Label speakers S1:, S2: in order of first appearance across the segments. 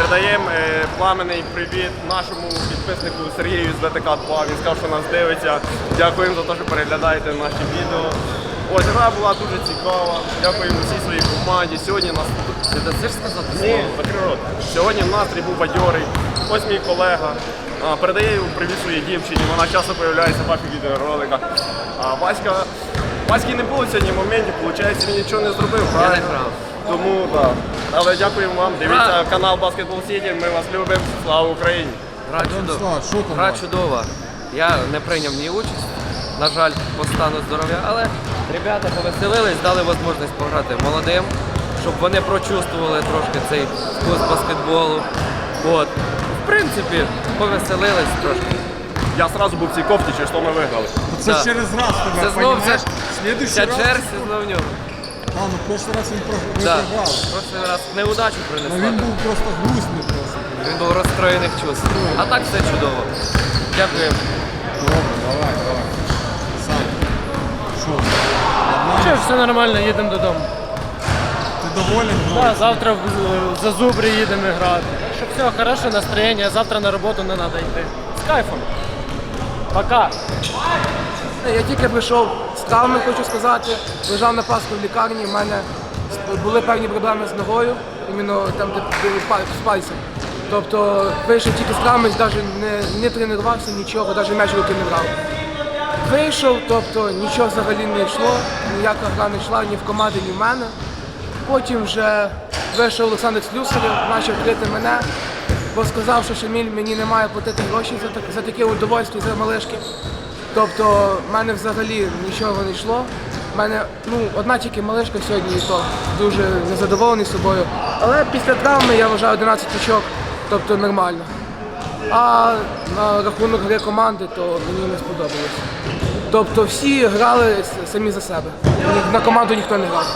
S1: Передаємо пламенний привіт нашому підписнику Сергію з ВТК 2. Він сказав, що нас дивиться. Дякуємо за те, що переглядаєте наші відео. Ось гра була дуже цікава. Дякуємо всій своїй команді. Сьогодні нас...
S2: Ти дасиш сказати?
S1: Ні, закрий рот. Сьогодні настрій був бадьорий. Ось мій колега. Передає йому привіт своїй дівчині. Вона часто з'являється в ваших відеороликах. Васьки не було сьогодні моментів, виходить, він нічого не зробив, правильно?
S2: Я не грав.
S1: Тому так. Але дякуємо вам. Дивіться канал Basketball City. Ми вас любимо. Слава Україні!
S2: Гра чудова. Я не прийняв ні участь, на жаль, по стану здоров'я, але ребята повеселились, дали можливість пограти молодим, щоб вони прочувствували трошки цей вкус баскетболу. От. В принципі, повеселились трошки.
S1: Я одразу був в цій кофті, через що ми виграли.
S3: Це
S2: Да.
S3: через раз тебе,
S2: Це знов
S3: понімаєш?
S2: ця
S3: Следующий раз...
S2: черзі знов в ньому.
S3: Ну, прошлий раз він
S2: Да.
S3: програв.
S2: Прошлий раз неудачу
S3: Ну,
S2: принесла.
S3: він був просто грустний просто.
S2: Він був розстроєних чувств. А так все чудово. Дякую.
S3: Добре, давай. Сам. Що?
S4: Що, все нормально, їдемо додому.
S3: Ти доволен?
S4: Да, завтра в Зазубрі їдемо грати. Щоб все, хороше настроєння, завтра на роботу не треба йти. З кайфом. Пока.
S5: Я тільки прийшов з травми, хочу сказати. Лежав на Пасху в лікарні, в мене були певні проблеми з ногою, іменно там, де з пальцем. Тобто вийшов тільки з травми, навіть не тренувався, нічого, навіть м'яч в руки не брав. Вийшов, тобто нічого взагалі не йшло, ніяка гра не йшла ні в команді, ні в мене. Потім вже вийшов Олександр Слюсарєв, почав крити мене, бо сказав, що Шаміль мені не має платити гроші за таке удовольствие, за малишки. Тобто в мене взагалі нічого не йшло. У мене одна тільки малишка сьогодні, і то дуже незадоволений собою. Але після травми я вважаю 11 очок, тобто нормально. А на рахунок гри команди, то мені не сподобалось. Тобто всі грали самі за себе. На команду ніхто не грав.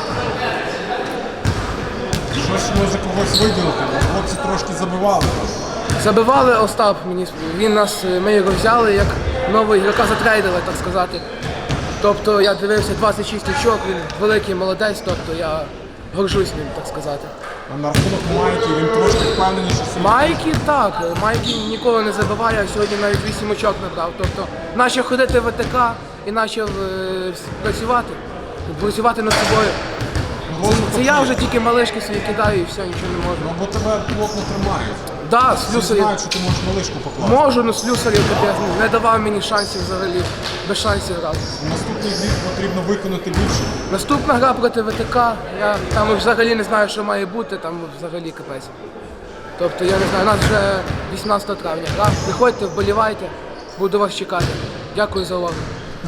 S3: Щось може когось виділити, бо хлопці трошки забивали.
S5: Забивали Остап, ми його взяли як нового ігрока затрейдили, так сказати. Тобто я дивився 26 очок, він великий молодець, тобто я горжусь ним, так сказати.
S3: А на рахунок Майки він трошки впевненіше собі.
S5: Майкі ніколи не забиває, а сьогодні навіть 8 очок набрав. Тобто наче ходити в ВТК і почав працювати над собою. Це я вже тільки малишки собі кидаю і все, нічого не можу.
S3: Ну, бо тебе плотно тримають.
S5: Да,
S3: Всі
S5: Слюсарєв.
S3: знають, що ти можеш малишку покласти.
S5: Можу, але Слюсарєв не давав мені шансів взагалі, без шансів грати.
S3: В наступній грі потрібно виконати більше.
S5: Наступна гра проти ВТК, я там взагалі не знаю, що має бути, там взагалі капець. Тобто я не знаю, у нас вже 18 травня. Гра. Приходьте, вболівайте, буду вас чекати. Дякую за увагу.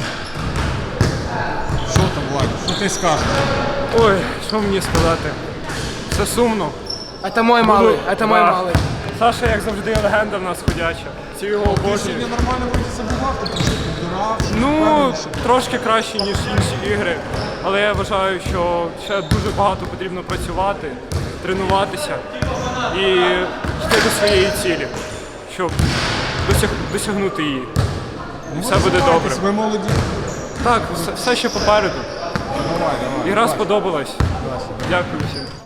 S3: Що там, Владі? Що ти скажеш?
S4: Ой, що мені сказати? Все сумно.
S5: Це мой малий, це мой малий.
S4: Саша, як завжди, легенда в нас ходяча. Всі його
S3: Ти
S4: обожнюють.
S3: сьогодні нормально вийти забивав, ти трошки підбирав, щось
S4: Ну,
S3: впевненіше.
S4: трошки краще, ніж інші ігри. Але я вважаю, що ще дуже багато потрібно працювати, тренуватися і йти до своєї цілі, щоб досягнути її. І все буде добре.
S3: Розвивайтесь, ви молоді.
S4: Так, все ще попереду.
S3: Давай.
S4: Ігра сподобалась. Дякую всім.